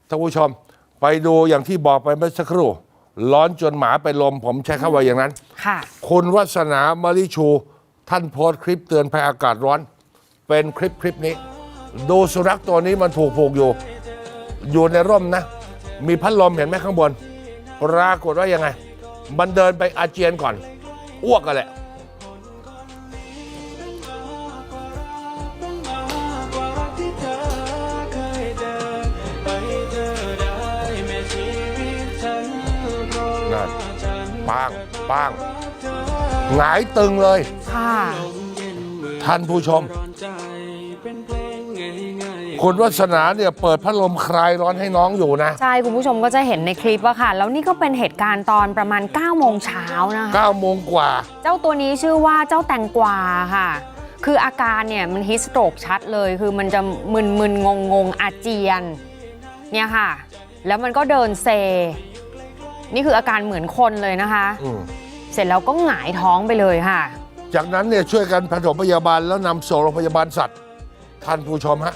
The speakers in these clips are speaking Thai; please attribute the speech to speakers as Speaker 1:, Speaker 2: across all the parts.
Speaker 1: ท่านผู้ชมไปดูอย่างที่บอกไปเมื่อสักครู่ร้อนจนหมาไปนลมผมใช้คำว่าอย่างนั้น
Speaker 2: ค่ะ
Speaker 1: คุณวัฒนามริชูท่านโพสต์คลิปเตือนภัยอากาศร้อนเป็นคลิปนี้ดูสุนัขตัวนี้มันถูกผูกอยู่ในร่มนะมีพัดลมเห็นไหมข้างบนปรากฏว่ายังไงมันเดินไปอาเจียนก่อนอ้วกกันแหละนั่นป้างหงายตึงเลย
Speaker 2: ค่ะ
Speaker 1: ท่านผู้ชมคุณวัฒนาเนี่ยเปิดพัดลมคลายร้อนให้น้องอยู่นะ
Speaker 2: ใช่คุณผู้ชมก็จะเห็นในคลิปว่าค่ะแล้วนี่ก็เป็นเหตุการณ์ตอนประมาณ9 โมงเช้านะคะ
Speaker 1: 9 โมงกว่า
Speaker 2: เจ้าตัวนี้ชื่อว่าเจ้าแตงกวาค่ะคืออาการเนี่ยมันฮิสโตรกชัดเลยคือมันจะมึนงงอาเจียนเนี่ยค่ะแล้วมันก็เดินเซนี่คืออาการเหมือนคนเลยนะคะเสร็จแล้วก็หงายท้องไปเลยค่ะ
Speaker 1: จากนั้นเนี่ยช่วยกันปฐมพยาบาลแล้วนำส่งโรงพยาบาลสัตว์ท่านผู้ชมฮะ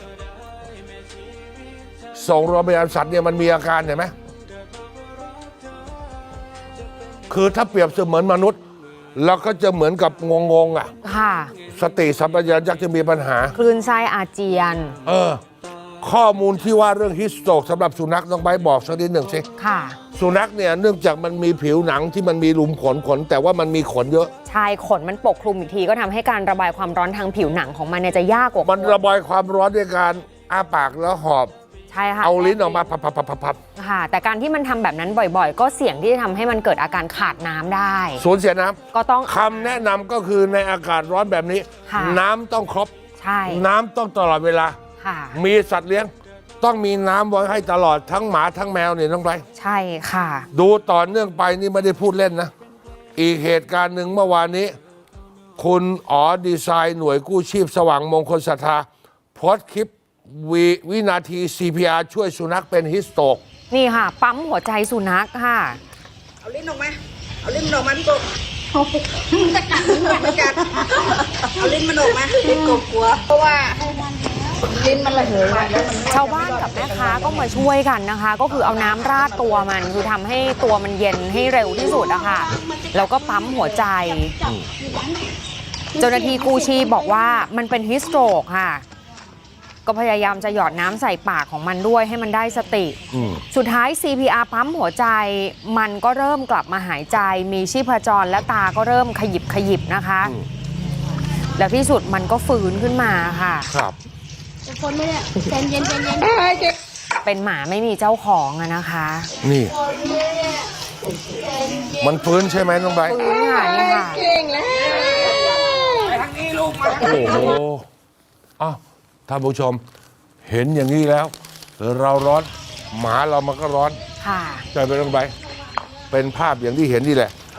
Speaker 1: ส่งโรงพยาบาลสัตว์เนี่ยมันมีอาการเห็นไหมคือถ้าเปรียบเสมือนมนุษย์เราก็จะเหมือนกับงงอ่ะ
Speaker 2: ค่ะ
Speaker 1: สติสัมปชัญญะจะมีปัญหา
Speaker 2: คลื่นไส้อาเจียน
Speaker 1: ข้อมูลที่ว่าเรื่องฮิสโตรกสำหรับสุนัขต้องไปบอกสักนิดหนึ่งสิ
Speaker 2: ค่ะ
Speaker 1: สุนัขเนี่ยเนื่องจากมันมีผิวหนังที่มันมีหลุมขนแต่ว่ามันมีขนเยอะ
Speaker 2: ใช่ขนมันปกคลุมอีกทีก็ทำให้การระบายความร้อนทางผิวหนังของมันเนี่ยจะยากกว่า
Speaker 1: มันระบายความร้อนด้วยการอ้าปากแล้วหอบ
Speaker 2: ใช่ค่ะ
Speaker 1: เอาลิ้นออกมาพับ
Speaker 2: ค่ะแต่การที่มันทำแบบนั้นบ่อยๆก็เสี่ยงที่จะทำให้มันเกิดอาการขาดน้ำได้
Speaker 1: สูญเสียน้
Speaker 2: ำก็ต้อง
Speaker 1: คำแนะนำก็คือในอากาศร้อนแบบนี้น้ำต้องครบ
Speaker 2: ใช่
Speaker 1: น้ำต้องตลอดเวลามีสัตว์เลี้ยงต้องมีน้ำไว้ให้ตลอดทั้งหมาทั้งแมวเนี่ยน้องไป
Speaker 2: ใช่ค่ะ
Speaker 1: ดูต่อเนื่องไปนี่ไม่ได้พูดเล่นนะอีกเหตุการณ์หนึ่งเมื่อวานนี้คุณอ๋อดีไซน์หน่วยกู้ชีพสว่างมงคลศรัทธาโพสต์คลิปวินาที CPR ช่วยสุนัขเป็นฮิสโตรก
Speaker 2: นี่ค่ะปั๊มหัวใจสุนัขค่ะ
Speaker 3: เอาลิ้นออกมาเอาลิ้นออกมาพี่กบจะกัดไม่กัดเอาลิ้นมันออกมาพี่กบกลัวเพราะว่าลิ้นมันระเหย
Speaker 2: ชาวบ้านกับแม่ค้าก็มาช่วยกันนะคะก็คือเอาน้ำราดตัวมันคือทำให้ตัวมันเย็นให้เร็วที่สุดอะค่ะแล้วก็ปั๊มหัวใจเจ้าหน้าที่กู้ชีพบอกว่ามันเป็นฮิสโตรกค่ะก็พยายามจะหยอดน้ำใส่ปากของมันด้วยให้มันได้สติสุดท้าย CPR ปั๊มหัวใจมันก็เริ่มกลับมาหายใจมีชีพจรและตาก็เริ่มขยิบนะคะแล้วที่สุดมันก็ฟื้นขึ้นมาค่ะ
Speaker 1: ครับ
Speaker 3: คนไม่เนี่ยเย็น
Speaker 2: เป็นหมาไม่มีเจ้าของอะนะคะ
Speaker 1: นี่มันฟื้นใช่ไหมน้องใบ
Speaker 2: ฟื้นค่ะนี่ค่ะ
Speaker 3: เก่งแล้วไปทางนี้ลูกมา
Speaker 1: โอ้โหท่านผู้ชมเห็นอย่างนี้แล้วเราร้อนหมาเรามันก็ร้อน
Speaker 2: ค่ะ
Speaker 1: ใจไปลงไปเป็นภาพอย่างที่เห็นนี่แหละ